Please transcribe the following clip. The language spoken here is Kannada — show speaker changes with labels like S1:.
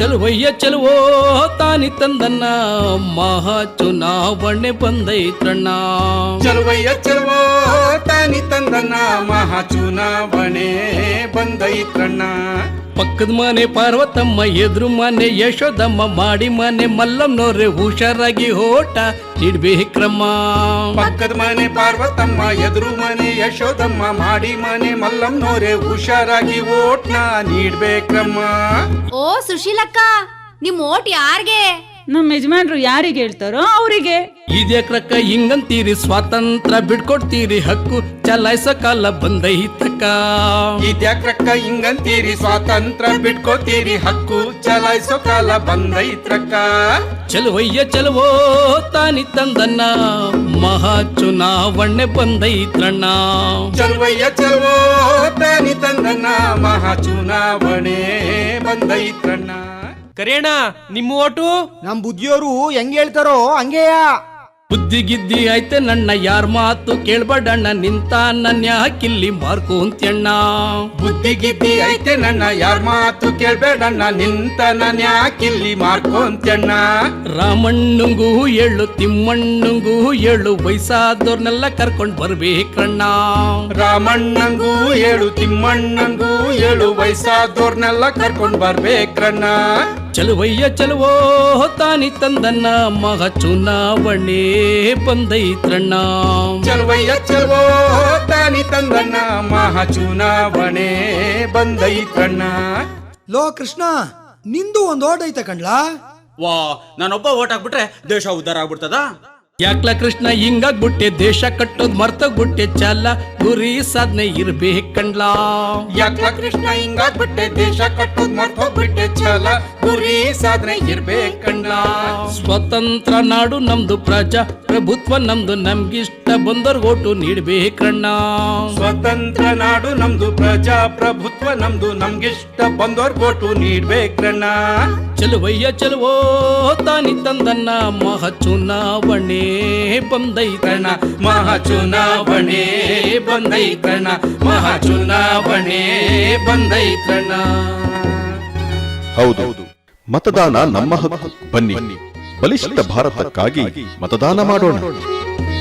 S1: ಚಲುವಯ್ಯ ಚಲುವೋ ತಾನಿ ತಂದನ್ನ ಮಹಾ ಚುನಾವಣೆ ಬಂದೈತ್ರಣ್ಣ.
S2: ಚಲುವಯ್ಯ ಚಲುವೋ ತಾನಿ ತಂದನ್ನ ಮಹಾ ಚುನಾವಣೆ ಬಂದೈತ್ರಣ್ಣ.
S1: ಪಕ್ಕದ ಮನೆ ಪಾರ್ವತಮ್ಮ, ಎದುರು ಮನೆ ಯಶೋದಮ್ಮ, ಮಾಡಿ ಮನೆ ಮಲ್ಲಮ್ಮನವ್ರೆ ಹುಷಾರಾಗಿ ಓಟ ನೀಡ್ಬೇಕ್ರಮ್ಮ.
S2: ಪಕ್ಕದ ಮನೆ ಪಾರ್ವತಮ್ಮ, ಎದುರು ಮನೆ ಯಶೋದಮ್ಮ, ಮಾಡಿ ಮನೆ ಮಲ್ಲಮ್ಮನವ್ರೆ ಹುಷಾರಾಗಿ ಓಟ್ನ ನೀಡ್ಬೇಕ್ರಮ್ಮ.
S3: ಓ ಸುಶೀಲಕ್ಕ, ನಿಮ್ ಓಟ್ ಯಾರ್ಗೆ?
S4: ನಮ್ಮ ಯಜಮಾನ್ರು ಯಾರಿಗೆ ಹೇಳ್ತಾರೋ ಅವರಿಗೆ.
S1: ಇದ್ಯಾಕ್ರಕ್ಕ ಹಿಂಗಂತೀರಿ, ಸ್ವಾತಂತ್ರ್ಯ ಬಿಡ್ಕೊಡ್ತೀರಿ, ಹಕ್ಕು ಚಲಾಯಿಸೋ ಕಾಲ ಬಂದೈತಕ್ಕ.
S2: ಇದ್ಯಾಕ್ರಕ್ಕ ಹಿಂಗಂತೀರಿ, ಸ್ವಾತಂತ್ರ್ಯ ಬಿಟ್ಕೋತೀರಿ, ಹಕ್ಕು ಚಲಾಯಿಸೋ ಕಾಲ ಬಂದೈತ್ರಕ್ಕ.
S1: ಚಲುವಯ್ಯ ಚಲುವೋ ತಾನಿ ತಂದನ್ನ ಮಹಾ ಚುನಾವಣೆ ಬಂದೈತ್ರಣ್ಣ.
S2: ಚಲುವಯ್ಯ ಚಲುವೋ ತಾನಿ ತಂದನ್ನ ಮಹಾ ಚುನಾವಣೆ ಬಂದೈತ್ರಣ್ಣ.
S5: ಕರಿಯಣ್ಣ, ನಿಮ್ಮ ಓಟು?
S6: ನಮ್ ಬುದ್ಧಿಯೋರು ಹೆಂಗ್ ಹೇಳ್ತಾರೋ ಹಂಗೆಯ.
S1: ಬುದ್ಧಿ ಗಿದ್ದಿ ಐತೆ ನನ್ನ, ಯಾರ ಮಾತು ಕೇಳ್ಬೇಡಣ್ಣ, ನಿಂತ ನನ್ನ ಯಾಕಿಲ್ಲಿ ಮಾರ್ಕೊಂತ್ಯಣ್ಣ.
S2: ಬುದ್ಧಿ ಗಿದ್ದಿ ಐತೆ ನನ್ನ, ಯಾರ ಮಾತು ಕೇಳ್ಬೇಡಣ್ಣ, ನಿಂತ ನಾನು ಯಾಕಿಲ್ಲಿ ಮಾರ್ಕೊಂತ್ಯಣ್ಣ.
S1: ರಾಮಣ್ಣಂಗೂ ಹೇಳು, ತಿಮ್ಮಣ್ಣಂಗೂ ಹೇಳು, ವಯಸ್ಸಾದವ್ರನ್ನೆಲ್ಲ ಕರ್ಕೊಂಡ್ ಬರ್ಬೇಕಣ್ಣ.
S2: ರಾಮಣ್ಣಂಗೂ ಹೇಳು, ತಿಮ್ಮಣ್ಣಂಗೂ ಹೇಳು, ವಯಸ್ಸಾದವ್ರನ್ನೆಲ್ಲ ಕರ್ಕೊಂಡ್ ಬರ್ಬೇಕ್ರಣ್ಣ.
S1: ಚಲುವಯ್ಯ ಚಲುವೋ ತಾನಿ ತಂದನ್ನ ಮಹಾ ಚುನಾವಣೆ ಬಂದೈತ್ರಣ್ಣ.
S2: ಚಲುವಯ್ಯ ಚಲುವೋ ತಾನಿ ತಂದನ್ನ ಮಹಾ ಚುನಾವಣೆ ಬಂದೈತ್ರಣ್ಣ.
S6: ಲೋ ಕೃಷ್ಣ, ನಿಂದು ಒಂದ್ ಓಟ್ ಐತೆ ಕಣ್ಲಾ.
S7: ವಾ, ನಾನೊಬ್ಬ ಓಟ್ ಹಾಕ್ಬಿಟ್ರೆ ದೇಶ ಉದ್ಧಾರ ಆಗ್ಬಿಡ್ತದ?
S1: ಯಾಕ್ಲ ಕೃಷ್ಣ ಹಿಂಗಾಗ್ಬಿಟ್ಟೆ, ದೇಶ ಕಟ್ಟೋದ್ ಮರ್ತೋಗ್ಬಿಟ್ಟೆ, ಚಾಲ ಗುರಿ ಸಾಧನೆ ಇರ್ಬೇಕಂಡ್ಲಾ.
S2: ಯಾಕ್ಲ ಕೃಷ್ಣ ಹಿಂಗಾಗ್ಬಿಟ್ಟೆ, ದೇಶ ಕಟ್ಟೋದ್ ಮರ್ತೋಗ್ಬಿಟ್ಟೆ, ಛಲ ಗುರಿ ಸಾಧನೆ ಇರ್ಬೇಕಣ್ಣ.
S1: ಸ್ವತಂತ್ರ ನಾಡು ನಮ್ದು, ಪ್ರಜಾ ಪ್ರಭುತ್ವ ನಮ್ದು, ನಮ್ಗಿಷ್ಟ ಬಂದೋರ್ ಓಟು ನೀಡ್ಬೇಕಣ್ಣ.
S2: ಸ್ವತಂತ್ರ ನಾಡು ನಮ್ದು, ಪ್ರಜಾ ಪ್ರಭುತ್ವ ನಮ್ದು, ನಮ್ಗಿಷ್ಟ ಬಂದೋರ್ ಓಟು ನೀಡ್ಬೇಕ್ರಣ್ಣ.
S1: ಚಲುವಯ್ಯ ಚಲುವೋ ತಾನಿ ತಂದನ್ನ ಮಹಾ ಚುನಾವಣೆ ಬಂದೈತ್ರಣ್ಣ.
S2: ಮಹಾ ಚುನಾವಣೆ ಬಂದೈತ್ರಣ್ಣ, ಮಹಾ ಚುನಾವಣೆ ಬಂದೈತ್ರಣ್ಣ.
S8: ಹೌದು, ಮತದಾನ ನಮ್ಮ ಹಕ್ಕು. ಬನ್ನಿ, ಬಲಿಷ್ಠ ಭಾರತಕ್ಕಾಗಿ ಮತದಾನ ಮಾಡೋಣ.